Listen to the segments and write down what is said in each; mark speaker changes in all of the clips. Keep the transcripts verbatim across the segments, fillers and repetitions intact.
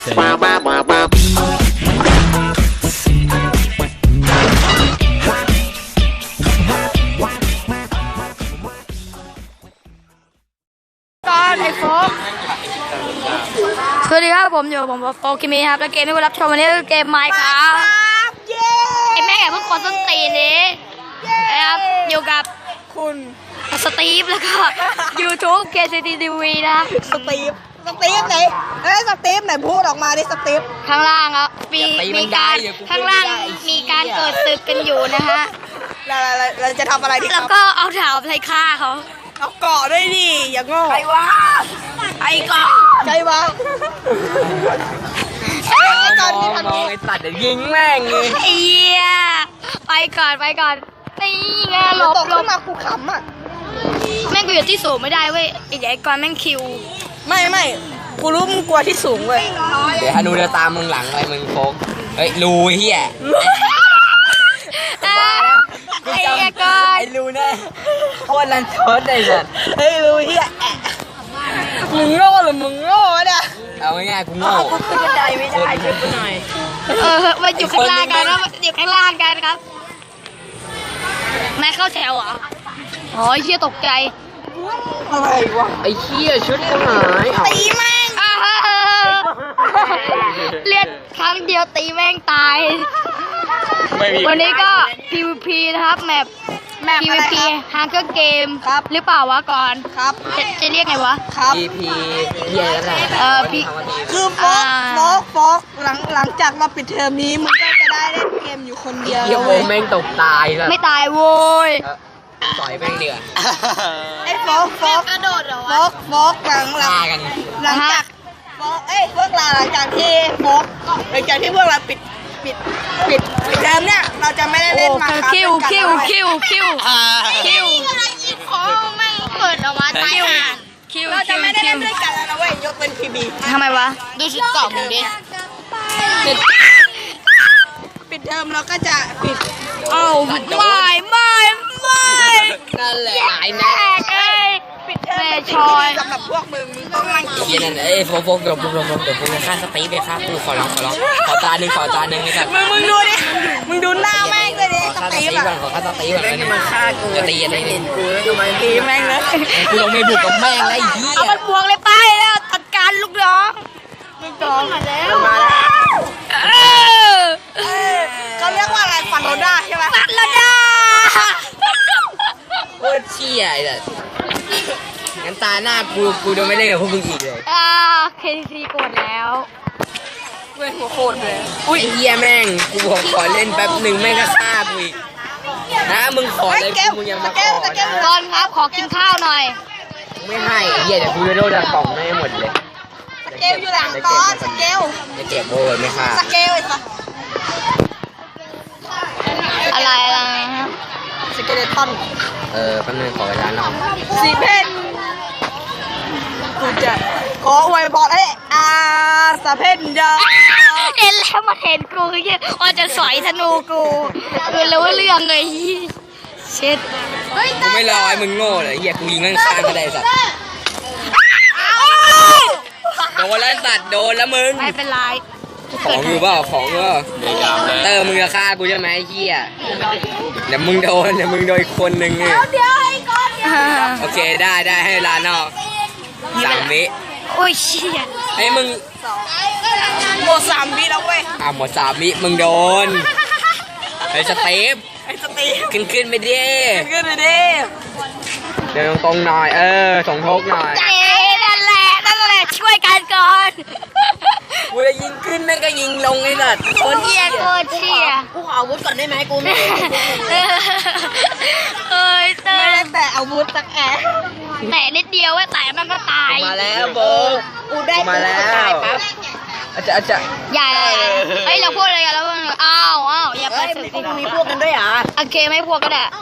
Speaker 1: สวัสดีครับผมอยู่ผมปอกิมีครับและเกมที่คุณรับชมวันนี้คือเกมไมค์ครับไอ้แม่แกเพิ่งกดต้นตีนนี้นะครับอยู่กับ
Speaker 2: คุณ
Speaker 1: สตีฟแล้วก็ YouTube เค ซี ที ที วี นะ
Speaker 2: สตีฟสตีฟไหนเอ้ยสตีฟไหนพูดออกมาดิสตีฟ
Speaker 1: ข้างล่างครับมีมีการข้างล่างมีการเกิดศึกกันอยู่นะฮะ
Speaker 2: เราเราเราจะทำอะไรดีครับ
Speaker 1: แล้วก็เอาถาวไปฆ่าเขา
Speaker 2: เอาเกาะด้วยดิอย่างโง่
Speaker 1: ใครวะไอ้เกาะ
Speaker 2: ใครวะ
Speaker 3: มองมองไอ้สัตว์เดี๋ยวยิงแม่งเลย
Speaker 1: ไอ้เหี้ยไปก่อนไปก่อนนี่ไงหลบหลบ
Speaker 2: มาคูขำอ่ะ
Speaker 1: แม่งกูอยู่ที่สูงไม่ได้เว้ยไอ้ใหญ่ก่อนแม่งคิว
Speaker 2: ไม่ไม่กูรู้มึงกลัวที่สูงเว้ย
Speaker 3: เดี๋ยวฮานูจะตามมึงหลังอะไรมึงโฟกเฮ้ยรูเฮีย
Speaker 1: ไอ้เหี้ยก่อน
Speaker 3: ไอ้รูแน่โคตรลันทดเลยสัตว์
Speaker 2: เฮ้ยรูเฮียมึงโง่หรือมึงโง่เนี่ย
Speaker 3: เอาง่ายๆกูโง่
Speaker 2: กูขึ้นบันไดไม่ได้ช่วยกูหน่อย
Speaker 1: เออมาอยู่ข้างล่างกันครับอยู่ข้างล่างกันครับแม่เข้าแถวเหรออ๋อเหี้ยตกใจ
Speaker 2: อะไรวะ
Speaker 3: ไอ้เหี้ยชุดกูหาย
Speaker 1: ตีแม่งเลียดครั้งเดียวตีแม่งตายวันนี้ก็ พี วี พี นะครับแมป
Speaker 2: แมป
Speaker 1: พี วี พี Hunger Game หรือเปล่าวะก่อน
Speaker 2: ครับ
Speaker 1: จะจะเรียกไงวะ
Speaker 2: ครับ
Speaker 3: พี พีเหี้ยแล้วแหละ
Speaker 1: เออพี
Speaker 2: คือโฟกโฟกโฟกหลังหลังจากเราปิดเทอมนี้มึงก็จะได้เล่นเกมอยู่คนเดียว
Speaker 3: เหี้ยโฟกแม่งตกตายเลย
Speaker 1: ไม่ตายโว้ย
Speaker 3: ต่อยแม่งเดือด
Speaker 2: ไอ้โฟกโฟก
Speaker 1: กระโดดเหรอ
Speaker 2: โฟกโฟกหลังหลังหลังจากโฟกเอ้ยพวกเราหลังจากที่โฟกหลังจากที่พวกเราปิดปิดปิดปิดเทอมเนี่ยเราจะไม่ได้เล่นมาครับ
Speaker 1: คิวคิวคิวคิวคิวของไม่เปิดออกมาตายห่าคิว
Speaker 2: เราจะไม่ได้เล่นด้วยกันแล้วนะเว้ยยกเป็นพีบี
Speaker 1: ทำไมวะดูชุดเก่ามึงดิ
Speaker 2: ปิดเทอมเราก็จะปิด
Speaker 1: เอ้าไม่ไม่ไม่
Speaker 3: นั่นแหละไอ้แม่
Speaker 1: เอ้ย
Speaker 2: ปิดเทอมชอยสำหรับพวกมึงมึงต้องนั่ง
Speaker 3: เหี้ยนั่นเอ้ยโฟกโฟกเดี๋ยวมึงลงลงเดี๋ยวมึงจะฆ่าสตีฟไปฆ่ากูขอร้องขอร้องขอตาหนึ่งขอตาหนึ่งเลยกัน
Speaker 2: มึงมึงดูดิมึงดูหน้าแม่งเลยดิ
Speaker 3: ขอฆ่าสตีฟก่อนขอฆ่าสตีฟก่อนนี่มันฆ่ากูจะตีอะไรนี่กู
Speaker 2: ทำไมตีแม่งเลย
Speaker 3: กูลงไม่บุกกับแม่งไอ้เหี้ย
Speaker 1: เอามันบวกเลยไปแล้วจัดการลูกน้องลูกน้องมาแล้ว
Speaker 2: มาแล้วเขาเรียกว่าอะไรฟันโรด้าใช่ไหม
Speaker 1: ฟันโรด้า
Speaker 3: โคตรเชี่ยไอ้สัสงั้นตาหน้ากูกูจะไม่เล่นกับพวกมึงอีกเลย
Speaker 1: อ่าเคทีกดแล้ว
Speaker 2: เว้ยหัวโคตรเลย
Speaker 3: อุ้ยเฮียแม่งกูบอกขอเล่นแป๊บหนึ่งแม่งก็ฆ่ากูอีกนะมึงขอเลยกูมึงยังมาขอ
Speaker 1: ก่อนครับขอกินข้าวหน่อย
Speaker 3: ไม่ให้เฮียเดี๋ยวกูจะโดนกล่องไม่หมดเลย
Speaker 2: สเกลอยู่หลังก้อนสเกล
Speaker 3: จะเก็บโบยไม่ฆ่า
Speaker 2: สเกลไอ้สัส
Speaker 1: อะไรอะไรฮะ
Speaker 2: สเกเลตัน
Speaker 3: เออแป๊บนึงขอเวลาหน่อย
Speaker 2: สีเพนกูจะขออวยพรให้อาสเพนยา
Speaker 1: เห็นแล้วมาเห็นกูคือว่าจะสอยธนูกูคือรู้เรื่องเลยเช็ด
Speaker 3: กูไม่รอไอ้มึงโง่เลยเฮียกูยิงข้างๆก็ได้สัตว์โดนแล้วสัตว์โดนแล้วมึง
Speaker 1: ไม่เป็นไร
Speaker 3: ของอยู่เปล่าของก็เตอร์มึงจะฆ่ากูใช่ไหมไอ้เหี้ยเดี๋ยวมึงโดนเดี๋ยวมึงโดนคนหนึ่งเนี่ยโอเคได้ได้ให้ลานอกสามวิ
Speaker 1: โอ้ยเชี่ย
Speaker 3: ไอ้มึง
Speaker 2: หมดสามวิแล้วเว้ย
Speaker 3: อ่ะหมดสามวิมึงโดนไอ้สเตป
Speaker 2: ไอ้สเตป
Speaker 3: ขึ้นขึ้นไปดิ
Speaker 2: ขึ้นไปดิ
Speaker 3: เดินตรงๆหน่อยเออส่งทกหน่อย
Speaker 1: เอ๊ะนั่นแหละนั่นแหละช่วยกันก่อน
Speaker 3: กูจะยิงขึ้นนั่นก็ยิงลงไอ้สัตว์
Speaker 1: คนเชี่ยโคตรเชี่ย
Speaker 2: กูขออาวุธก่อนได้ไหมกูไม่
Speaker 1: เอ้ยเตอร์
Speaker 2: แต่อาวุธสักแอะ
Speaker 1: แต่นิดเดียวว่าแต่มันก็ตาย
Speaker 3: มาแล้วโบ
Speaker 2: กูได้
Speaker 3: มาแล้วอาจจะอาจจะ
Speaker 1: อย่าเฮ้ยเราพูดอะไรกันแล้วอ้าวอ้าวอย่าไป
Speaker 2: มีพวกมีพวกกันด้วยอ่ะ
Speaker 1: โอเคไม่พวกก็ได้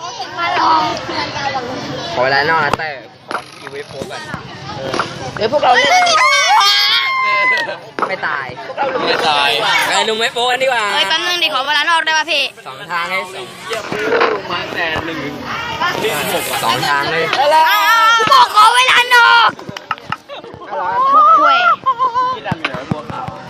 Speaker 3: ขอเวลานอกนะแต่ขอคิวไว้โฟกันเดี๋ยวพวกเราไม่ตาย
Speaker 4: ไม่ตาย
Speaker 3: ไอ้ลุงไม่โฟกันดีกว่า
Speaker 1: เฮ้ยแป๊บนึงดิขอเวลานอกได้ป่ะพี่
Speaker 3: สองทางให้สอง
Speaker 4: มาแต่หนึ่ง
Speaker 3: สองทางเลย
Speaker 1: บอกขอเวลานอกคุย
Speaker 4: ที่ดันเหนือบัวขาว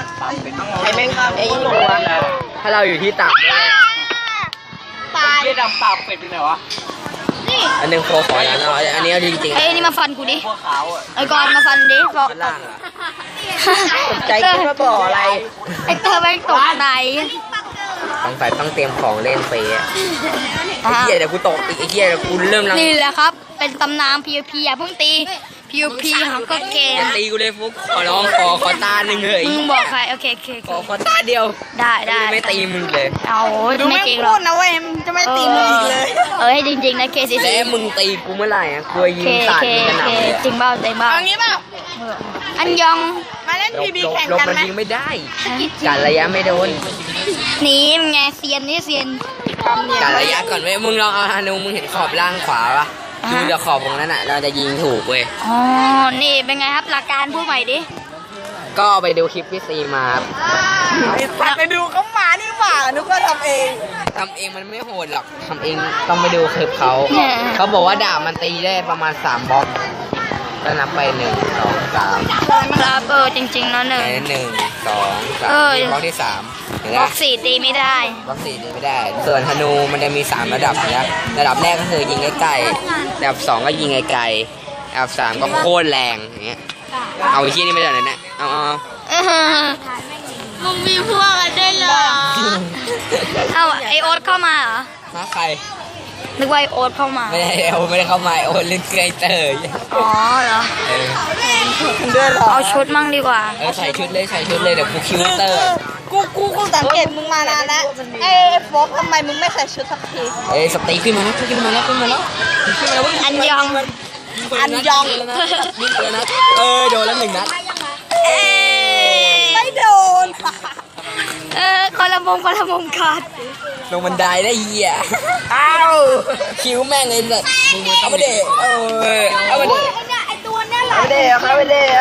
Speaker 2: ไอ้แม่งไอ้ยิงหัว
Speaker 3: ถ้าเราอยู่ที่ต่ำเนี่ย
Speaker 2: ตาย
Speaker 4: เฮียดำปากเป็ดอยู่ไหนวะ
Speaker 3: อันหนึงโคขอแล้วเนาะอันนี้เอาจริงๆ
Speaker 1: ไอ้นี่มาฟันกูดิ
Speaker 4: พวกขาวอ่ะ
Speaker 1: ไอ้กอนมาฟันดิบอก
Speaker 3: ข้างล่างอะ
Speaker 2: ใจคิดว่าบ่ออะไร
Speaker 1: ไอ้เธอแม่งตกใจ
Speaker 3: ต้องใส่ต้องเตรียมของเล่นเฟยอะไอ้เหี้ยเดี๋ยวกูตกอีกไอ้เหี้ยเดี๋ยวกูเริ่มลัง
Speaker 1: นี่แหละครับ เป็นตำนาน พี วี พี อย่าเพิ่งตี พี วี พี ของก็เกม
Speaker 3: อย่าตีกูเลยฟุกขอร้องขอขอตาหนึ่งเลย
Speaker 1: มึงบอกใครโอเคโอเคโอ
Speaker 3: ขอ
Speaker 1: เค
Speaker 3: ขอตาเดียว
Speaker 1: ได้ได้
Speaker 3: ไม่ตีมึงเลย
Speaker 1: เอา
Speaker 2: ดู
Speaker 1: ไม่
Speaker 2: แม่ง
Speaker 1: จริงหร
Speaker 2: พู
Speaker 1: อก
Speaker 2: ดนะเว้ยมันจะไม่ตีมึงอีกเลย
Speaker 1: เออให้จริงๆนะเคซี
Speaker 3: แล้
Speaker 1: ซี
Speaker 3: วมึงตีกูเมื่อไหร่อะกูยิ
Speaker 1: เค
Speaker 3: งสาด
Speaker 1: เค
Speaker 3: มึงกระห
Speaker 1: เค
Speaker 3: น่ำเลย
Speaker 1: จริงเปล่าจริงเปล่า
Speaker 2: เอางี้เปล่า
Speaker 1: เอออันยอง
Speaker 2: มาเล่น
Speaker 3: หล
Speaker 2: พี
Speaker 3: บ
Speaker 2: บี
Speaker 3: หลบ
Speaker 2: แข่ง
Speaker 3: หลบ
Speaker 2: กัน
Speaker 3: มัน
Speaker 2: ไหม
Speaker 3: ยิงไม่ได้การระยะไม่โดน
Speaker 1: หนีมันไงเซียนนี่เซียน
Speaker 3: การระยะก่อนเว้ยมึงลองเอาฮานูมึงเห็นขอบล่างขวาปะ
Speaker 1: อ่า
Speaker 3: ดูจากขอบตรงนั้นอ่ะเราจะยิงถูกเว้ย
Speaker 1: อ๋อนี่เป็นไงครับหลักการพูดใหม่ดิ
Speaker 3: ก็ไปดูคลิปพี่ซีมาครับ
Speaker 2: ไอ้สัตว์ไปดูเขามานี่หว่านึกว่าทำเอง
Speaker 3: ทำเองมันไม่โหดหรอกทำเองต้องไปดูคลิปเขา
Speaker 1: เนี่ย
Speaker 3: เขาบอกว่าดาบมันตีได้ประมาณสามบล็อกก็นับไปหนึ่งสองสาม
Speaker 1: ครับเออจริงๆเนาะหนึ่ง
Speaker 3: ไปหนึ่งสองสาม
Speaker 1: เออ
Speaker 3: บล็อกที่สามเห็นไห
Speaker 1: บ
Speaker 3: ม
Speaker 1: ล็อกสี่ตีไม่ได้
Speaker 3: บล็อกสี่ตีไม่ได้ ส่วนธนูมันจะมีสามระดับนะระดับแรกก็คือยิงใกล้ๆระดับสองก็ยิงไกลๆระดับสามก็โคตรแรงอย่างเงี้ยเอาไอ้ที่นี่ไม่ได้เลยนะเอาเอาเอา
Speaker 1: มึงมีพวกกันได้เหรอเอาไอโอ๊ตเข้ามาเหรอ
Speaker 3: มาใคร
Speaker 1: นึกว่าไอโอ๊ตเข้ามา
Speaker 3: ไม่ได้เอาไม่ได้เข้ามาโอนเล่นไกเตอร์
Speaker 1: อ๋อเหรอ
Speaker 3: เออ
Speaker 2: เดือดหรอ
Speaker 1: เอาชุดมั่งดีกว่า
Speaker 3: เออใส่ชุดเลยใส่ชุดเลยเดี๋ยวกูคิวเตอร์
Speaker 2: กูกูกูสังเกตมึงมานานแล้วไอ้โฟกทำไมมึงไม่ใส่ชุดสักที
Speaker 3: เอ้ยสตีขึ้นมาแล้วขึ้นมาแล้วขึ้นมาแล้วขึ้นมาแล้ว
Speaker 1: อันยอง
Speaker 2: อันยอง
Speaker 3: ยิงไปแล้วนะเออโดนแล้วหนึ่งนัด
Speaker 1: เอ้ย
Speaker 2: ไม่โดน
Speaker 1: เออคนละมุมคนละมุมขาด
Speaker 3: ลงบันไดได้เหี้ย
Speaker 2: อ้าว
Speaker 3: คิวแม่งเลยสัตว์เอาไปเดะเออเอาไปเดะ
Speaker 1: ไอตัวนี่แหละ
Speaker 2: เอาไปเด้อเอาไปเด้อ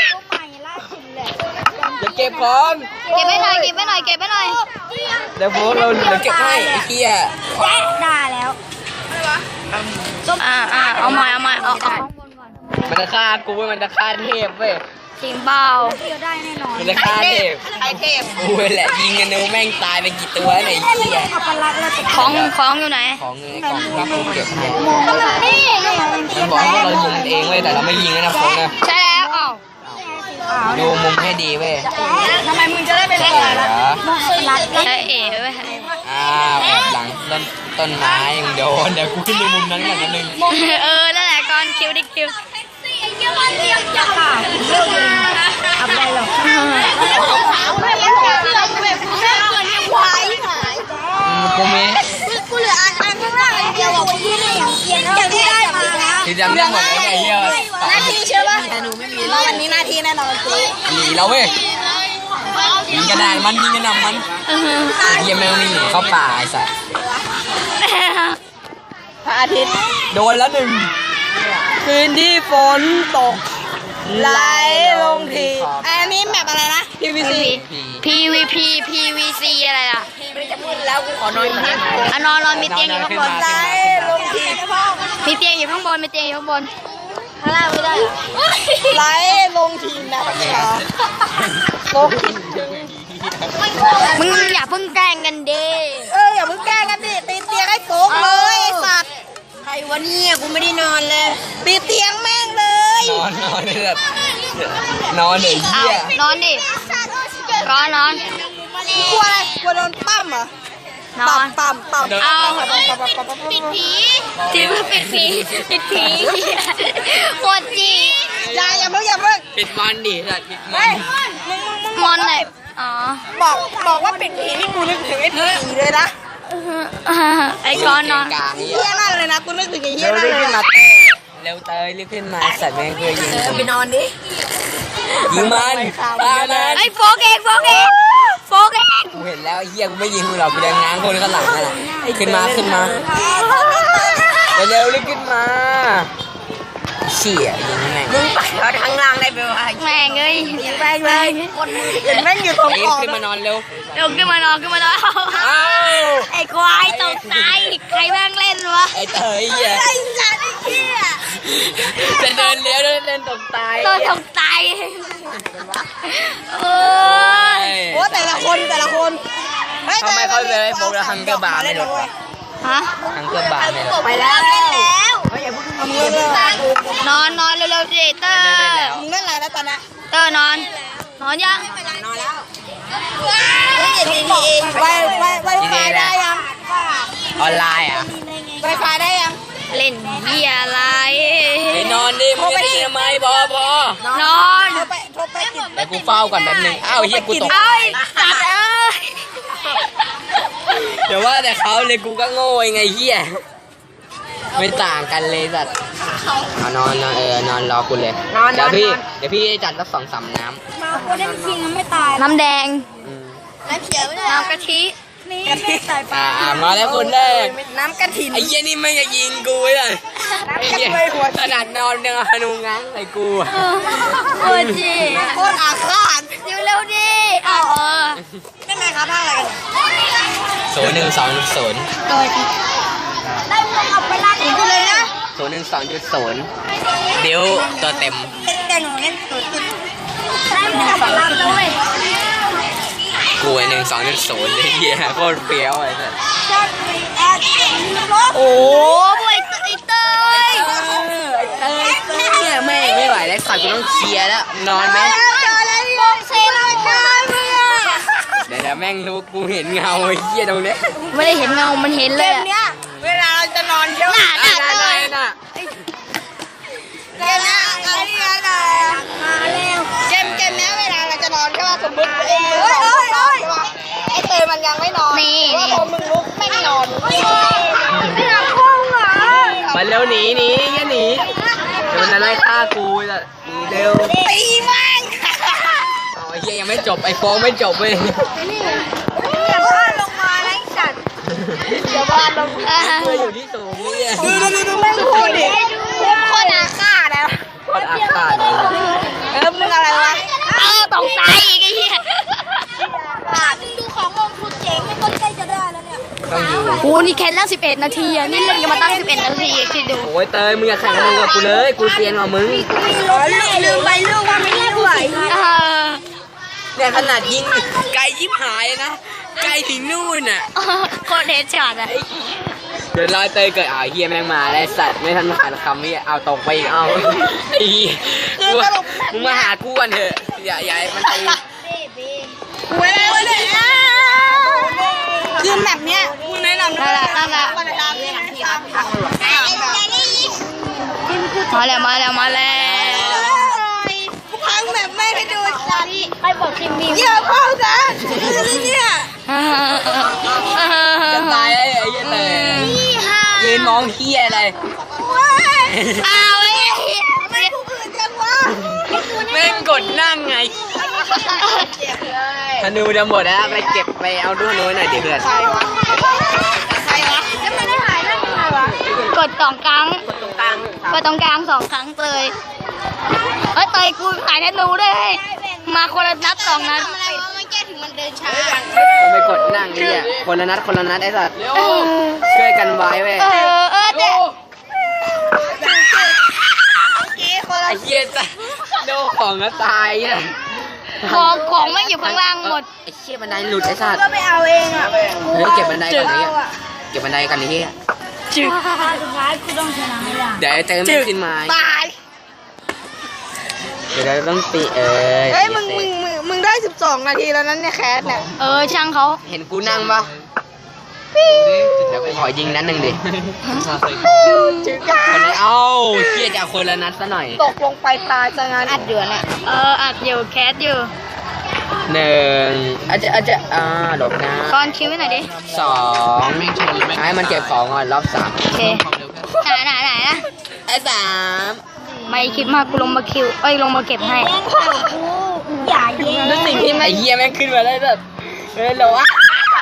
Speaker 3: เดี๋ยวเก็บของ
Speaker 1: เก็บไว้หน่อยเก็บไว้หน่อยเก็บไว้หน่อย
Speaker 3: เดี๋ยวโฟนเราเดี๋ยวเก็บให้ไอ้เหี้ย
Speaker 1: ได้แล้วอ่าอ่าเอาใหม่เอาใหม่เอาเอา
Speaker 3: มันจะฆ่ากูเว้ยมันจะฆ่าเทพเว้ย
Speaker 1: จริงเปล่า
Speaker 3: มันจะฆ่าเทพ
Speaker 2: ไอเทพ
Speaker 3: กูแหละยิงกันนูแม่งตายไปกี่ตัวไหนเหี้ย
Speaker 1: ของของอยู่ไหน
Speaker 3: ของเงินของรับกูเก็บให้
Speaker 1: นี่
Speaker 3: มันบอกว่าเรายิงกันเองเว้ยแต่เราไม่ยิงนะฟงนะ
Speaker 1: ใช่แล้วอ้าว
Speaker 3: ดูมุมให้ดีเว้ย
Speaker 2: ทำไมมึงจะได้เป็นคน
Speaker 3: เหรอ
Speaker 1: ใช่เอ๋เว้ย
Speaker 3: อ้าวแอบหลังต้นต้นไม้ยังโดนเดี๋ยวกูขึ้นไปมุมนั้นก่อนนิดนึง
Speaker 1: เออนั่นแหละก่อนคิวดิคิวอับได้หรอ
Speaker 3: กูมี
Speaker 2: กูเหลืออันอันข้างล่างเดียวอ่ะกูยี่นี่อย่างที่ได้มาแล้ว
Speaker 3: ที่จำได้หมดเลยไอ้เหี้ย
Speaker 2: หน้าที่ใช่ป่ะแต่หนูไม่มีแล้ววันนี้หน้าที่แน่นอนกู
Speaker 3: หนีแล้วเว้ยยิงกระดานมันยิงกระหน่ำมันไอ้เหี้ยแม่งไม่หนีเข้าป่าไอ้สัส
Speaker 2: พระอาทิตย์
Speaker 3: โดนแล้วหนึ่ง
Speaker 2: คืนที่ฝนตกไหลลงทีอันนี้แบบอะไรนะ พี วี ซี
Speaker 1: พีวีพีพีวีซีอะไรล่ะ
Speaker 2: แล้วกูขอนอนที่
Speaker 1: อ่ะนอนนอนมีเตียงอยู่ข้างบน
Speaker 2: ไหลลงที
Speaker 1: มีเตียงอยู่ข้างบนมีเตียงอยู่ข้างบนข้างล่างไม่ได้
Speaker 2: ไหลลงทีนะคะตก
Speaker 1: มึงอย่าเพิ่งแกล้งกันดิ
Speaker 2: เอออย่าเพิ่งแกล้งกันดิตีเตียงให้โฟกเลยไอ้สัตว์ใครวะเนี่ยกูไม่ได้นอนเลยตีเตียงแม่งเลย
Speaker 3: นอนนอนเลยแบบนอนเลย
Speaker 1: เอา
Speaker 3: เหี้ย
Speaker 1: นอนดิรอนอน
Speaker 2: กลัวอะไรกลัวโดนปั้มเหรอน
Speaker 1: อ
Speaker 2: ปั้ม
Speaker 1: น
Speaker 2: ปั้มปั้ม
Speaker 1: เอา
Speaker 2: ปิดผี
Speaker 1: ที่ว่าปิดผีปิดผีโคตรจี
Speaker 2: อย่าอย่าเพิ่งอย่าเพิ่ง
Speaker 3: ปิดมันดิสัตว์ปิดมั
Speaker 2: เฮ้
Speaker 3: น
Speaker 2: ยมึงมึงมึง
Speaker 1: มอนไหนอ๋อ
Speaker 2: บอกบอกว่าปิดผีนี่กูนึกถึงไอ้ผีเลยนะ
Speaker 1: ไอ้ก้อนนอน
Speaker 3: กลางเหี้
Speaker 2: เฮี้
Speaker 3: ย
Speaker 2: ยมากเลยนะกูนึกถึงไอ้เฮี้
Speaker 3: เร็
Speaker 2: ยว นั่น
Speaker 3: รีบ
Speaker 2: เลย
Speaker 3: ขึ้น
Speaker 2: อะ
Speaker 3: มาเร็วเตยรีบขึ้นมาสัตว์แม่งเคยยิง
Speaker 2: ไปนอนดิ
Speaker 3: ยิงมันตายมัน
Speaker 1: ไอ้โฟกเองโฟกเองโฟกเอง
Speaker 3: กูเห็นแล้วไอ้เฮียกูไม่ยิงมึงหรอกกูจะง้างคนข้างหลังนั่นแหละขึ้นมาขึ้นมาเร็วๆรีบขึ้นมาเชี่ยยิงแม่ง
Speaker 2: มึงไปเอาทางล่างได้ไหมวะ
Speaker 1: แม่งเอ้ย
Speaker 2: แม่งเลยเห็นแม่งอยู่ตรง
Speaker 3: ไอ้
Speaker 2: คอ
Speaker 3: ขึ้นมานอนเร็ว
Speaker 1: เดี๋ยวขึ้นมานอนขึ้นมานอน
Speaker 3: อ้าว
Speaker 1: ไอ้ควายตกใจใครแม่งเล่นวะ
Speaker 3: ไอ้เตยเฮีย
Speaker 2: ไอ้สัตว์ไอ้เหี้ย
Speaker 3: จะเดินเลี้ยวเดินเล่นตกตาย
Speaker 1: ตัวตกใจโอ้ย
Speaker 2: คนแต่ละคนฮ้ย
Speaker 3: ทำไมเขาเลยโฟกแล้วฮังเกอร์บาร์ไม่ลดวะ
Speaker 1: ฮะ
Speaker 3: ฮังเกอร์บาร์ไม่ลด
Speaker 2: ไปแล้วทำเงินเลย
Speaker 1: นอนนอนเร็วๆสิเตอร์
Speaker 2: มึงเล่นอะไรแล้วตอนนี้
Speaker 1: เตอร์นอน นอนยัง
Speaker 2: นอนแล้วไวไวไวไฟได้ยัง
Speaker 3: ออนไลน์อ่ะ
Speaker 2: ไวไฟได้ยัง
Speaker 1: เล่นเบียร์อะไร
Speaker 3: ไปนอนดิมึงจะได้ทำไมพอพอน
Speaker 1: อน
Speaker 2: โทรไปโทรไปติด
Speaker 3: แต่กูเฝ้าก่อนแป๊บนึงอ้าวเฮียกูตก
Speaker 1: เอ้ยสัตว์เอ้ย
Speaker 3: เดี๋ยวว่าแต่เขาเลยกูก็โง่ไงเฮียไม่ต่างกันเลยสัตว์เอานอนนอนเออนอนรอคุณเลยเดี๋ยวพี่เดี๋ยวพี่จัดสักสองสามน้
Speaker 2: มาโคเด้นคิงไม่ตาย
Speaker 1: น้ำแดง
Speaker 3: ำอืม
Speaker 2: น้ำเขียวไม่ได้
Speaker 1: น้ำกะทิ
Speaker 2: กะทิใส่ปลา
Speaker 3: อ่าอ่ามาแล้วคนแรก
Speaker 2: น้ำกะทิ
Speaker 3: ไอ้เหี้ยนี่ไม่จะยิงกูเลยไอ้เหี้ยขนาดนอนยังเอานูง้างใส่กูอะ
Speaker 1: โอ้จี
Speaker 2: โคตรอาฆาต
Speaker 1: เร็วเร็วๆดิเอาเออ
Speaker 2: ไม่ไหมครับท่าอะไรกัน
Speaker 3: ศูนย์หนึ่งสองศูนย์
Speaker 1: ตัว
Speaker 2: ได้เงินเอาไปร้านนี้เลยนะ
Speaker 3: ศูนย์หนึ่งสองจุดศูนย์เดี๋ยวตัวเต็ม
Speaker 2: แต่หนูเล่นตัวติดได้เงินเอาไปร้านเลย
Speaker 3: กูไอ้หนึ่งสองจุดศูนย์เลยเหี้ยโคตรเฟี้ยวไอ้สัส
Speaker 2: จะมีแอดรถ
Speaker 1: โอ้บวยไอเตย
Speaker 3: เอ้ยเนี่ยแม่งไม่ไหวแล้วสัตว์กูต้องเคลียร์แล้วนอนไหม
Speaker 2: บอกเซนเลยนะ
Speaker 3: เดี๋ยวเดี๋ยวแม่งรู้กูเห็นเงาไอ้เหี้ยตรงเนี้ย
Speaker 1: ไม่ได้เห็นเงา มันเห็น
Speaker 2: เก
Speaker 1: เลย
Speaker 2: ม
Speaker 1: อะ
Speaker 2: เนี้ยเวลาเราจะนอนเยอะ
Speaker 1: น่ะน่ะ
Speaker 3: ได้
Speaker 1: เต
Speaker 3: ได้
Speaker 1: ย
Speaker 3: น่ะ
Speaker 2: เกมเนี้ยอะไรอะไรมาแล้วเกมเกมเนี้ยเวลาเราจะนอนใช่ป่ะสมมติเอ้ยเอ้ยเอ้ยไอ้เตยมันยังไม่นอน
Speaker 1: นี่
Speaker 2: ว่า
Speaker 1: นี่
Speaker 2: พอมึงลุกไม่นอนไม่หลับห้องเหรอ
Speaker 3: มาเร็วหนีหนีแค่หนีเดี๋ยวมันจะไล่ฆ่ากูจะหนีเร็ว
Speaker 2: ตีแม่ง
Speaker 3: อ๋อไอ้เหี้ยยังไม่จบไอ้โฟงไม่จบเลย
Speaker 2: เดี๋ยวบ้านลงมานะไอ้สัตว์เดี๋ยวบ้านลงมา
Speaker 3: เพื่ออยู่ที่สูงเนี่ย
Speaker 2: ดูดูดูดูแม่งพูดดิพูดคนอาฆาตนะ
Speaker 3: โคตรอาฆาตเลย
Speaker 2: เออมึงอะไรวะ
Speaker 1: เออตกใจอีกไอ้เหี้ย
Speaker 2: มึงดูของมงคุณเจ๋งไม่ต้นใกล้จะได้แล้วเนี่ย
Speaker 3: ต้องอยู่
Speaker 1: โอ้นี่แค่ตั้งสิบเอ็ดนาทีอะนี่เล่นกันมาตั้งสิบเอ็ดนาทีคิดดู
Speaker 3: โอ้ยเตยมึงอย่าแข่งกับมึงกับกูเลย กูเซียนกว่ามึง
Speaker 2: อ๋อลืมไปลืมว่าไม่ได้ไหว
Speaker 1: เออ
Speaker 3: เนี่ยขนาดยิงไกลยิบหายนะ ไกลถึงนู่นอ่ะ
Speaker 1: โคตรเฮดช็อตอะ
Speaker 3: เดี๋ยวรอยเตยเกิดอ้าวเฮียแม่งมาแล้วสัตว์ไม่ทันผ่านคำนี้เอาตกไปอีกเอาไอ้เหี้ยกูมึงมาหากูกันเถอะอย่าอย่าให้มันตี
Speaker 2: เว้ยเว้ยเนี่ยคือแบบเนี้ยคุณแนะนำ
Speaker 1: นั่นแหละนั่นแหละ
Speaker 2: วันละที่ที่ครับ
Speaker 1: มาแล้วมาแล้วมาแล้ว
Speaker 2: พังแบบไม่ให้ดูจัด
Speaker 1: ไปบอกทีมบี
Speaker 2: เยอะพ่อจ้ะเนี่ย
Speaker 3: จะตายแล้วไอ้เหี้ยเตยยืนมองเฮียอะไร
Speaker 1: อ้าวไอ้
Speaker 2: ไม่ผู้อื่นจังวะ
Speaker 3: แม่งกดนั่งไง
Speaker 2: เจ็บเลย
Speaker 3: ธนูจะหมดแล้วไปเก็บไปเอาด้วยน้อยหน่อยดิเพื่อน
Speaker 2: ใครวะใครวะแล้วมันได้หายได้ยังไงวะ
Speaker 1: กดสองครั้ง
Speaker 3: ตรงกลาง
Speaker 1: กดตรงกลางสองครั้งเลยเฮ้ยเตยกูขายธนูด้วยเฮ้ยมาคนละนัดสองนัด
Speaker 2: ทำอะไรวะมันแก้ถึงมันเดินช้า
Speaker 3: มึงไปกดนั่งนี่อ่ะคนละนัดคนละนัดไอ้สัตว์
Speaker 1: เออ
Speaker 3: ช่วยกันไว้เว้ย
Speaker 1: เออเออแต่
Speaker 2: กี้คนละ
Speaker 3: ไอ้เหี้ยจะโดนของก็ตายอ่ะ
Speaker 1: ของของไม่อยู่ข้างล่างหมด
Speaker 3: ไอ้เหี้ยบันไดหลุดไอ้สัตว์
Speaker 2: ก็ไปเอาเองอ่ะ
Speaker 3: เฮ้ยเก็บบันไดก่อนนี้เก็บบันไดกันนี้
Speaker 1: จึก
Speaker 2: สุดท้ายกูต้องชนะให้ได้
Speaker 3: เดี๋ยวไอ้เติมไม่ขึ้นมา
Speaker 1: ตาย
Speaker 3: เดี๋ยวเราต้องตีเออ
Speaker 2: เฮ้ยมึงมึงมึงมึงได้สิบสองนาทีแล้วนั้นเนี่ยแคสเนี่ย
Speaker 1: เออช่างเขา
Speaker 3: เห็นกูนั่งปะเดี๋ยวกูขอยิงนัดหนึ่งดิ
Speaker 2: จืด
Speaker 3: คนละเอ้าเชี่ยจะเอาคนละนัดซะหน่อย
Speaker 2: ตกลงไปตายซะงั้นอัดเดือนอ่ะ
Speaker 1: เอออัดอยู่แคสอยู่
Speaker 3: หนึ่งอาจจะอาจจะอ่าหลบนะ
Speaker 1: ก้อนคิวไว้หน่อยดิ
Speaker 3: สองให้มันเก็บของก่อนรอบสาม
Speaker 1: โอเคไหนไหนไหนนะ
Speaker 3: ไอ้สาม
Speaker 1: ไม่คิดมากกูลงมาคิวเอ้ยลงมาเก็บให้
Speaker 2: อย่าเย็น
Speaker 3: แล้วสิ่งที่ไอ้เหี้ยแม่งขึ้นมาได้แบบเออเหรอวะ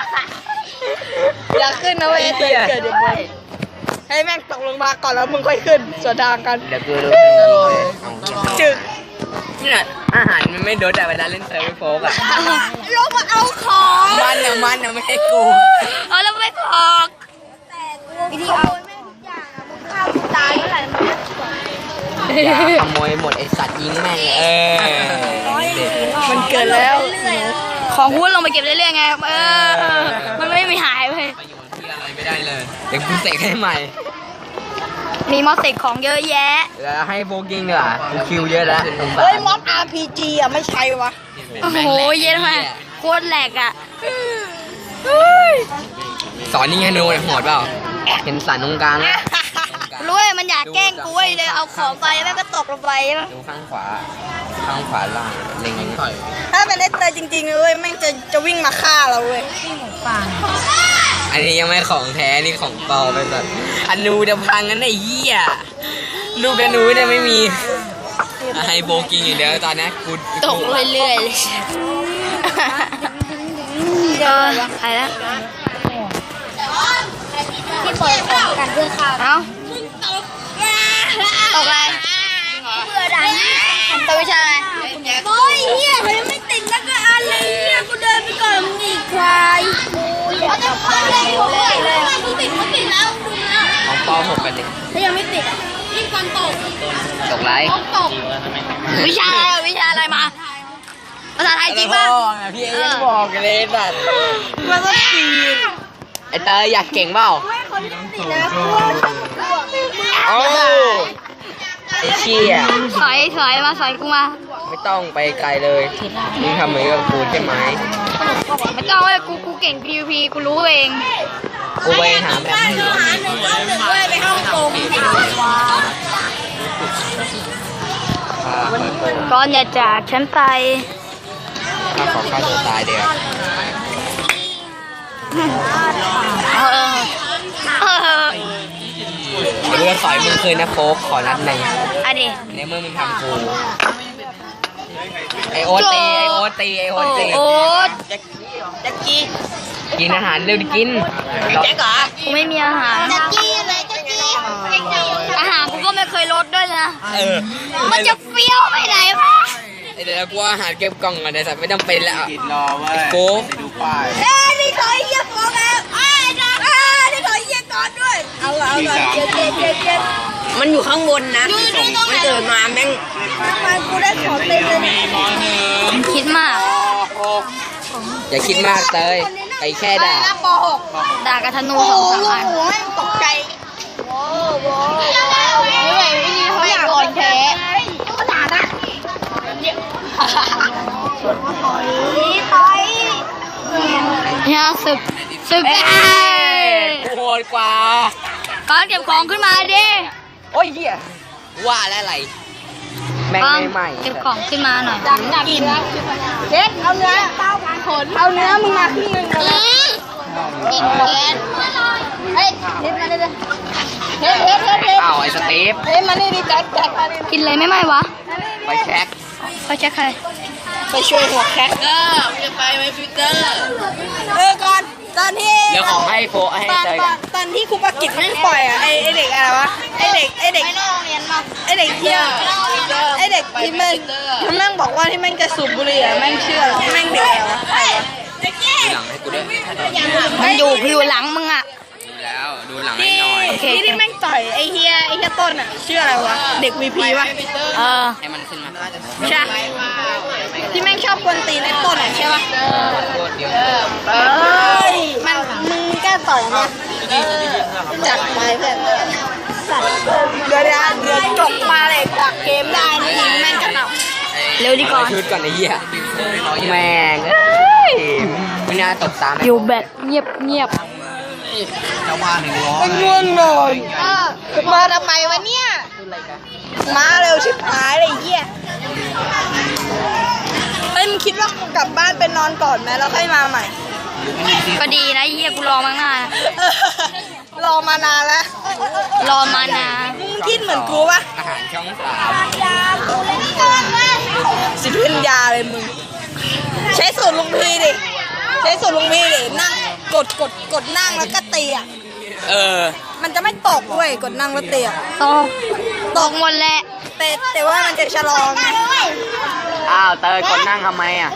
Speaker 2: อย่าขึ้นนะเว้ยเกิดเกิดเดี๋ยวมึงให้แม่งตกลงมาก่อนแล้วมึงค่อยขึ้นส่วนทางกัน
Speaker 3: เดี๋ยวกูดู
Speaker 2: จึก
Speaker 3: เนี่ยอาหารมันไม่โดนแต่เวลาเล่นเซิร์ฟไม่โฟกอ่ะ
Speaker 2: ลงมาเอาของ
Speaker 3: มันอ่ะมันอ่ะไม่ให้กู
Speaker 1: เออแล้วไม่พอก
Speaker 2: วิธีเอาแม่งทุกอย่างอ่ะมึงฆ่ากูตายเมื่อไหร่มึงจะจบ
Speaker 3: อย่าขโมยหมดไอสัตว์ยิงแม่งเออ
Speaker 2: มันเกิดแล้ว
Speaker 1: ของหุ้นลงไปเก็บเรื่อยๆไงเออเออมันไม่มีหายไป
Speaker 3: ที่อะไรไม่ได้เลยเดี๋ยวกูเสกให้ใหม่
Speaker 1: มีมอสเสกของเยอะแยะ
Speaker 3: แล้วให้โบกิ้งดีกว่ากูคิวเยอะแล้วสงสาร
Speaker 2: เฮ้ยม็อบ อาร์ พี จี อ่ะไม่ใช่วะ
Speaker 1: โอ้โหเยอะมากโคตรแหลกอ่ะ
Speaker 3: สอนนี่ไงโน้ตโหดเปล่าเห็นสันตรงกลางนะ
Speaker 1: รู้เลยมันอยากแกล้งกูเว้ยเลยเอาของไปแล้วก็ตกลงไป
Speaker 3: ดูข้างขวาข้างขวาล่างเล็ง
Speaker 2: ถ้าเป็นไอ้เตยจริงๆเลยแม่งจะจะวิ่งมาฆ่าเราเว้ย
Speaker 3: อันนี้ยังไม่ของแท้นี่ของปลอมไปสัตว์อนูจะพังกันไอ้เหี้ยลูกอนูเนี่ยไม่มีให้โบกิ้งอย่างเดียวตอนนี้กู
Speaker 1: ตกเรื่อยๆเลยเออใครละที่ปล่อยของกันเพื่อข้าวเอ้าตกอะไรเพื่อดังตัววิชาอะไรโอ้ยเฮียเขายังไม่ติดแล้วก็อันเลยเฮียกูเดินไปก่อนมึงอีกควายเขาจะพังเลยกูเลยเลยกูติดกูติดแล้วดูนะ
Speaker 3: ของปลอมหกกันดิ
Speaker 1: ถ้ายังไม่ติดยิ่งก่อนตก
Speaker 3: ตกไร
Speaker 1: ตกวิชาอะไรวิชาอะไรมาภาษาไทยจริงป่ะ
Speaker 3: พี่เอ็นบอกเลยสัตว์
Speaker 2: มันก็ตี
Speaker 3: ไอเตยอยากเก่งเปล่า
Speaker 2: ติดแล้วกู
Speaker 3: โอ้ไอเชี่ย
Speaker 1: สอยสอยมาสอยกูมา
Speaker 3: ไม่ต้องไปไกลเลยมึงทำเหมือนกับกูใช่ไหม
Speaker 1: ไม่ต้องเลยกูกูเก่ง พี วี พี กูรู้เอง
Speaker 3: กูไปหาแบบนี้
Speaker 2: หาหนึ่งเอาหนึ่งเว้ยไปห้องกง
Speaker 1: ก่อนอย่าจากฉันไป
Speaker 3: ถ้าขอฆ่าตัวตายเดี๋ยว
Speaker 1: เออเออ
Speaker 3: เรือสอยมึงคืนนะโฟกขอนัดหนึ่ง
Speaker 1: อันนี้
Speaker 3: ในเมื่อมึงทำกูไอโอตีไอโอตีไอโอ
Speaker 1: โอ้
Speaker 3: ตี
Speaker 1: โอ้
Speaker 2: แจ็คกี้
Speaker 3: กินอาหารเร็วดิกิน
Speaker 2: แจ็คเหรอ
Speaker 1: กูไม่มีอาหาร
Speaker 2: แจ็คกี้อะไรแจ็คกี้
Speaker 1: อาหารกูก็ไม่เคยลดด้วยนะ
Speaker 3: เออ
Speaker 1: มันจะเฟี้ยวไปไหนวะ
Speaker 3: ไอเดี๋ยวกูอาหารเก็บกล่องก่อนเดี๋ยวสัตว์ไม่ต้องเป็นแล้ว
Speaker 4: กินรอเว้ย
Speaker 3: โก้
Speaker 4: ดูป้าย
Speaker 2: เอ้ยนี่ขอเยี่ยมของแล้วเอ้ยนะเอ้ยนี่ขอเยี่ยมก่อนด้วยเอาละเอาละเจ็ดเจ็ดเจ็ดเจ็ดมันอยู่ข้างบนนะมันเกิดมาแม่งทำไมกูได้ของเต็มเลยเนี่ย
Speaker 1: คิดมาก
Speaker 3: อย่าคิดมากเตยไปแค่ด่า
Speaker 2: ปหก
Speaker 1: ด่ากับธนู
Speaker 2: โอ้
Speaker 1: สอง
Speaker 2: โห
Speaker 1: สามอัน
Speaker 2: โอ้โหแม่งตกใจโว้โว้ไม่ไหวไม่ดีเขาอยากอ่อนแพ้ก็ด่านะต่อย
Speaker 1: เนี่ยศึกศึก
Speaker 3: โหดกว่า
Speaker 1: ก่อนเก็บของขึ้นมาดิ
Speaker 3: โอ้ยเหี้ยว่าแล้วอะไรแม่ง
Speaker 1: ก่อน
Speaker 3: ไม่ใหม่
Speaker 1: เก็บของขึ้นมาหน่อย
Speaker 2: อยากกินเด็ดเอาเนื้อเต้าพันขนเอาเนื้อมึงมาครึ่งนึงเลยกินแกนเฮ้ยเฮ็ดมาเลยเฮ็ดเฮ็ดเฮ็ดเฮ็ด
Speaker 3: อ้าวไอ้สตีฟ
Speaker 2: เฮ็ดมานี่ดิแจ็คแจ็คมานี่
Speaker 1: กินเลยไม่ไหมวะ
Speaker 3: ไปแช็ค
Speaker 1: ไปเช็คใคร
Speaker 2: ไปช่วยหัวแคทเออจะไปไหมพีเตอร์เออก่อนตอนที่
Speaker 3: เดี๋ยวของให้โฟให้
Speaker 2: ตอน
Speaker 3: เตย
Speaker 2: ต
Speaker 3: กั
Speaker 2: อน นตอนที่ครูปากิจแม่งปล่อยอ่ะไอไอเด็กอะไรวะไอเด็กไอเด็กไอเด็กเที่ยวไอเด็กที่แม่งที่แม่งบอกว่าที่แม่งจะสูบบุหรี่อ่ะแม่งเชื่อแม่งเด็กอะไรวะใครวะ
Speaker 3: ดูหลังให้กูด้วย
Speaker 1: มันอยู่อยู่หลังมึงอ่ะ
Speaker 3: ดูแล้วดูหลังให้
Speaker 2: ที่
Speaker 3: หน่อย
Speaker 2: ที่ที่แม่งต่อยไอเฮียไอเฮียต้นอ่ะชื่ออะไรวะเด็กวีพีวะ
Speaker 1: เออ
Speaker 3: ให้มันขึ้นมา
Speaker 2: ใช่ที่แม่งชอบกวนตีนไอต้นอ่ะใช่ปะ
Speaker 3: โคตรเดียว
Speaker 2: เอ้ยมันมึงกล้าต่อยเนี่ยจัดไปเพื่อนสัตว์เดี๋ยวเดี๋ยวเดี๋ยวจบมาเลยจากเกมได้นี่ยิงแม่งกระหน่ำ
Speaker 1: เร็วดีก่อน
Speaker 3: ชุดก่อนไอ้เหี้ยแม่งเอ้ยไม่น่าตกตาม
Speaker 1: อยู่แบบเงียบเงียบ
Speaker 4: เจ้าบ้านหนึ่งร้อย
Speaker 2: ง่วงนอนมาทำไมวะเนี่ยมาเร็วชิบหายเลยไอ้เหี้ยเอ้ยมึงคิดว่ากูกลับบ้านไปนอนก่อนไหมแล้วค่อยมาใหม่
Speaker 1: ก็ดีนะเฮียกูรอมาตั้งนาน
Speaker 2: รอมานานแล้ว
Speaker 1: รอมานาน
Speaker 2: มึงคิดเหมือนกูปะ
Speaker 3: อาหารช่องสาม
Speaker 2: สิทธิปัญญาเลยมึงใช้สูตรลุงพีดิใช้สูตรลุงพีดินั่งกดกดกดนั่งแล้วก็ตีอ่ะ
Speaker 3: เออ
Speaker 2: มันจะไม่ตกเว้ยกดนั่งแล้วตีอ่ะ
Speaker 1: ตกตกหมดแหละ
Speaker 2: แต่แต่ว่ามันจะชะลอไง
Speaker 3: อ้าวเตยคนนั่งทำไมอ่ะ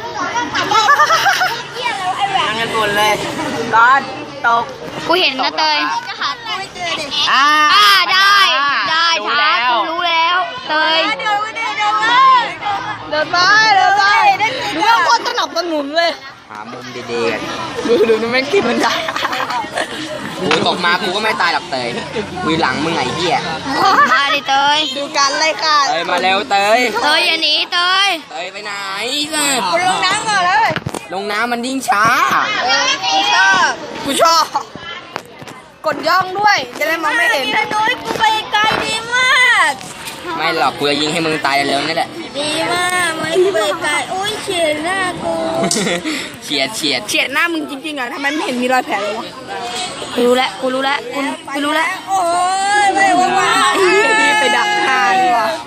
Speaker 3: นั่งกันบนเลยตอนตก
Speaker 1: กูเห็นนะเตย
Speaker 3: อ่า
Speaker 1: อ่าได้ได้
Speaker 3: รู้
Speaker 1: ช้า
Speaker 3: แล้ว
Speaker 1: กูรู้แล้วเตย
Speaker 2: เดินไปเดินไปเดินไปเดินไปดูว่าโคตรสนับสนุนเลย
Speaker 3: หามุมดีๆกัน
Speaker 2: ดูดูดูแม่งกินมันได้
Speaker 3: กูตกมากูก็ไม่ตายหรอกเตยกูหลังมึงไอ้เหี้ย
Speaker 1: มาดิเตย
Speaker 2: ดูการไล่ฆ่า
Speaker 3: เตยมาเร็วเตย
Speaker 1: เตยอย่าหนีเตย
Speaker 3: เตยไปไหนสัส
Speaker 2: กูลงน้ำก่อนเลย
Speaker 3: ลงน้ำมันยิ่งช้า
Speaker 2: กูชอบกูชอบกดย่องด้วยจะได้มองไม่เห็น
Speaker 1: โดยกูไปไกลดีมาก
Speaker 3: ไม่หรอกกูจะยิงให้มึงตายเร็วๆนี่แหละ
Speaker 1: ดีมากไม่ไปไกลโอ้ยเฉียดหน้ากู
Speaker 3: เฉียดเฉียด
Speaker 2: เฉียดหน้ามึงจริงๆอ่ะทำไมไม่เห็นมีรอยแผลเลยวะ
Speaker 1: กูรู้แล้วกูรู้แล้วกูกูรู้แล้ว
Speaker 2: โอ้ยไม่ว่าว่าดีไปดักทางว่ะ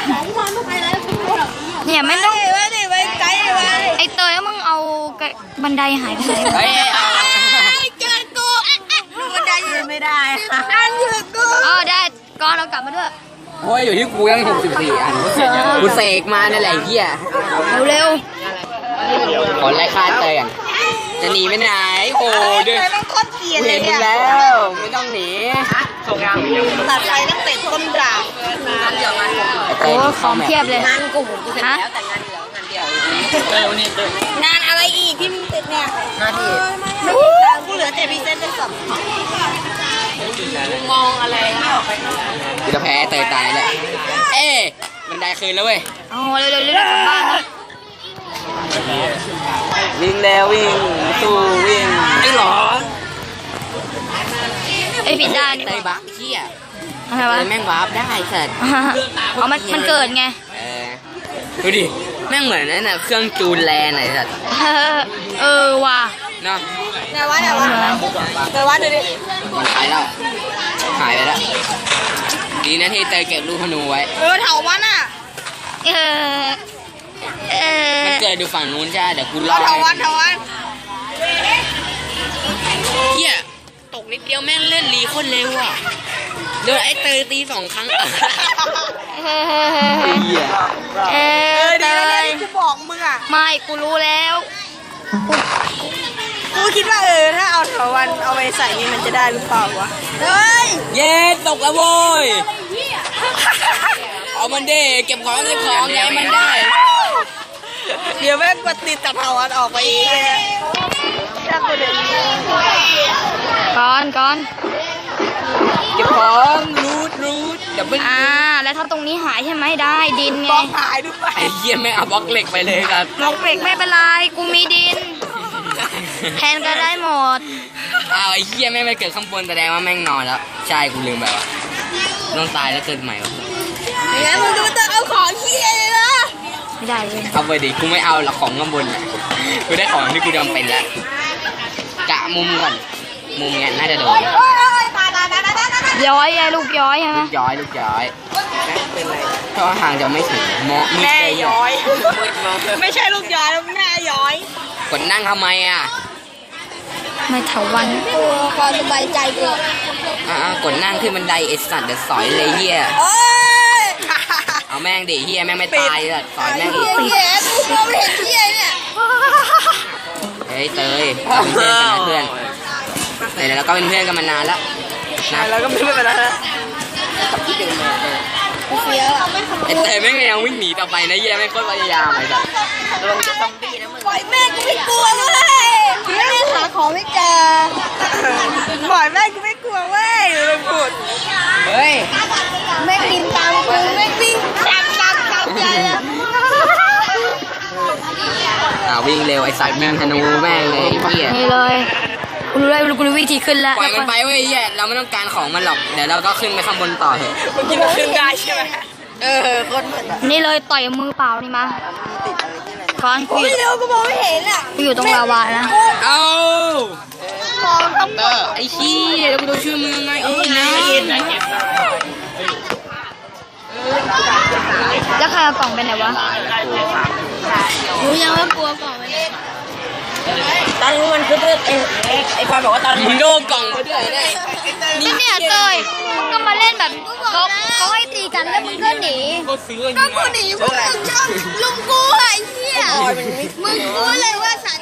Speaker 1: เนี่ยไม่ต้อง
Speaker 2: ไปดิไปไกลไป
Speaker 1: ไอเตยมึงเอาบันไดหายไปไหน
Speaker 3: เฮ้ยเอา
Speaker 1: เจอกู
Speaker 2: ดูบันไดยืนไม่ได้อันยืนกู
Speaker 1: อ๋อได้ก่อนเรากลับมาด้วย
Speaker 3: โอ้ยอยู่ที่กูยังหกสิบสี่อันกูเสกมานั่นแหละไอ้เหี้ย
Speaker 1: เร็ว
Speaker 3: ขอไล่ฆ่าเตยกันจะหนีไปไหนโอ้เดิน
Speaker 2: ไอ้ต้องโคตรเกลียด
Speaker 3: กู
Speaker 2: เล
Speaker 3: เห็
Speaker 2: ย
Speaker 3: นมึง
Speaker 2: เนี่ย
Speaker 3: แล้วไม่ต้องหนีส่งยาง
Speaker 2: ตัดไฟตั้งแต่ต้นด่าง
Speaker 1: โอ้ของเพียบเลย
Speaker 2: งานกูกูเสร็จ
Speaker 1: ฮะ
Speaker 2: แล้วแต่งานเหลืองานเดียวงานอะไรอีกที่มึงติดเนี่ยงานที่กูเหลือแต่พรีเซนต์เป็นสับมองอะไรไม่ออกไป
Speaker 3: กูจะแพ้เตยตายแหละเอ๊ะบันไดคืนแล้วเว้ย
Speaker 1: อ๋อเร็วเร็วเร็วกลับบ้านนะ
Speaker 3: วิ่งแล้ววิ่งสู้วิ่งไอ้หรอ
Speaker 1: ไอยผิดด้านดี
Speaker 3: เต
Speaker 1: ก
Speaker 3: ย
Speaker 1: ว่า
Speaker 3: บักเหี้ย
Speaker 1: อะไรวะ
Speaker 3: เตยแม่งวาร์ปได้สัตว์
Speaker 1: อ๋อมันมันเกิดไง
Speaker 3: เออดูดิแม่งเหมือนนั่นน่ะเครื่องจูนแลนไหนสัตว์
Speaker 1: เออว่ะ
Speaker 3: เนาะ
Speaker 2: ไหนวะไหนวะไหนวะดูดิ
Speaker 3: มันหายแล้วหายไปแล้วดีนะที่เตยเก็บลูกธนูไว้
Speaker 2: เออเถาวันอ่ะ
Speaker 1: เออเออ
Speaker 3: มันเกิดดูฝั่งนู้นจ้าเดี๋ยวกูรอ
Speaker 2: เถาวันเถาวัน
Speaker 3: เฮียตกนิดเดียวแม่งเล่นรีโคนเร็วอ่ะโดนไอ้เตยตีสองครั้งเฮีย
Speaker 1: เอ
Speaker 2: เอ
Speaker 1: อ
Speaker 2: อ
Speaker 1: เต
Speaker 2: ดีแล้วเนี่ย
Speaker 1: ย
Speaker 2: ที่กูบอกมึงอ่ะ
Speaker 1: ไม่กูรู้แล้ว
Speaker 2: กูคิดว่าเออถ้าเอาเถาวันเอาไปใส่นี่มันจะได้หรือเปล่าวะเฮ้ย
Speaker 3: เย้ตกแล้วโว้ยเอามันเด้เก็บของเก็บของไงมันได้
Speaker 2: เดี๋ยวแม่งกดติดจากเถาวันออกไปอีกเลยถ้ากูเดิน
Speaker 1: ก่อนก่อน
Speaker 3: เก็บของรูดรูดเดี๋ยวมัน
Speaker 1: อ่าแล้วถ้าตรงนี้หายใช่ไหมได้ดินไง
Speaker 2: บอกหายด้วย
Speaker 3: ไอ้เหี้ยแม่งเอาบล็อกเหล็กไปเลยครับ
Speaker 1: หมกเบรกไม่เป็นไรกูมีดินแทนก็ได้หมด
Speaker 3: อ้าวไอ้เหี้ยแม่งไปเกิดข้างบนแสดงว่าแม่งนอนแล้วใช่กูลืมไปว่ะต้องตายแล้วเกิดใหม่วะ
Speaker 2: อย่างนั้นมึงจะมาเติมเอาของเฮียเลยนะ
Speaker 1: ไม่ได้เลย
Speaker 3: เอาไปดิกูไม่เอาหรอกของข้างบนน่ะกูได้ของที่กูจำเป็นแล้วกะมุมก่อนมุมเนี้ยน่าจะโดน
Speaker 2: โอ้ยตายตายตายตายตายตาย
Speaker 1: ย้อยไงลูกย้อยใช่ไหม
Speaker 3: ลูกย้อยลูกย้อยเพราะว่าห่างจะไม่ถึงมอมืด
Speaker 2: แม่
Speaker 3: เลย
Speaker 2: ย้อย ไม่ใช่ลูกย้อยแล้วแม่ย้อย
Speaker 3: กดนั่งทำไมอ่ะ
Speaker 1: ไม่เถาวัน
Speaker 2: กูความสบายใจกู
Speaker 3: อ่ากดนั่งขึ้นบันไดไอ้สัตว์เดี๋ยวสอยเลยเฮีย
Speaker 2: โอ้ย
Speaker 3: เอาแม่งดิเฮียแม่งไม่ตายเลยสอยแม่งอีก
Speaker 2: เฮียกูมองไม่เห็นเฮียเนี่ย
Speaker 3: เฮ้ยเตยเราเป็นเพื่อนกันนะเพื่อนเตยแล้วก็เป็นเพื่อนกันมานานแล้วนะ
Speaker 2: แล้วก็ไม่เป็นไรนะเฟี้ยว
Speaker 3: ไอ้เตยแม่งยังวิ่งหนีต่อไปนะเฮียแม่งโคตรพยายามไอ้สัตว์
Speaker 2: ปล่อยแม่กูไม่กลัวเว้ยแม่หาของไม่เจอปล่อยแม่กูไม่กลัวเว้ยเลยพูด
Speaker 3: เฮ้ย
Speaker 2: แม่บินตามกูแม่วิ่งตามตามตามใจแล้ว
Speaker 3: อ่าวิ่งเร็วไอ้สัตว์วิ่งธนูแม่งเลยไอ้เฮีย
Speaker 1: นี่เลยกูรู้แล้วกูรู้วิธีขึ้นแล้ว
Speaker 3: ปล่อยมันไปเว้ยเฮียเราไม่ต้องการของมันหรอกเดี๋ยวเราก็ขึ้นไปข้างบนต่อเถอะ
Speaker 2: มึงคิดว่าขึ้นได้ใช่ไหมเออคนเหมือนแบบ
Speaker 1: นี่เลยต่อยมือเปล่านี่มาก่อนกูอยู่
Speaker 2: ไม่เร็วก็มองไม่เห็นอ่ะ
Speaker 1: กูอยู่ตรงลาวานะ
Speaker 3: เอา
Speaker 2: มองต้อง
Speaker 3: เตอร์ไอ้ขี้ยแล้วกูต้องช่วยมึงไงเอ้ยนะ
Speaker 1: แล้วใครเอากล่องไปไหนวะ
Speaker 2: รู้ยังว่ากลัวกล่องไหมตอนนี้มันคือเพื่อนไอ้ไอ้ปอยบอกว่าตอน
Speaker 3: มึงโดนกล่องมาด้วยเนี่ย
Speaker 1: นี่เนี่ยเตยมึงก็มาเล่นแบบเขาเขาให้ตีกันแล้วมึงก็หนี
Speaker 3: ก็ซื้อ
Speaker 2: ก็กูหนีพวกมึงชอบลุมกูไอ้เหี้ยมึงรู้เลยว่าสัน